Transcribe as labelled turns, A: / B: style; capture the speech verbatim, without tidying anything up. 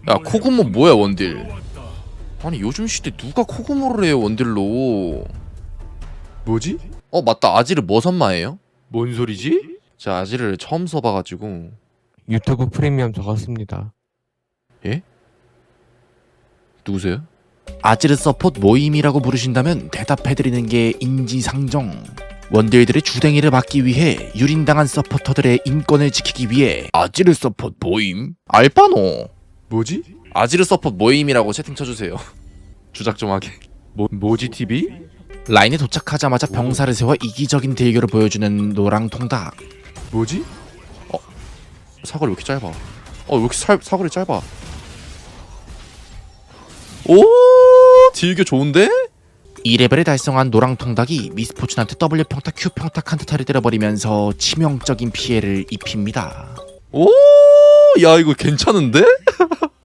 A: 야 코그모 뭐야 원딜. 아니 요즘 시대 누가 코그모를 해요 원딜로.
B: 뭐지?
A: 어 맞다, 아지르 뭐 선마예요?
B: 뭔 소리지?
A: 제가 아지르를 처음 써봐가지고.
C: 유튜브 프리미엄 적었습니다.
A: 예? 누구세요? 아지르 서폿 모임이라고 부르신다면 대답해드리는 게 인지상정. 원딜들의 주댕이를 막기 위해 유린당한 서포터들의 인권을 지키기 위해 아지르 서폿 모임? 알바노.
B: 뭐지?
A: 아지르 서폿 모임이라고 채팅 쳐주세요. 주작 좀 하게.
B: 뭐 뭐지 티비?
A: 라인에 도착하자마자 병사를 세워 이기적인 대결을 보여주는 노랑통닭.
B: 뭐지?
A: 사거리 왜 이렇게 짧아? 어 왜 이렇게 사, 사거리 짧아? 오 딜교 좋은데? 이 레벨을 달성한 노랑통닭이 미스포춘한테 W 평타 Q 평타 칸타타를 때려버리면서 치명적인 피해를 입힙니다. 오 야 이거 괜찮은데?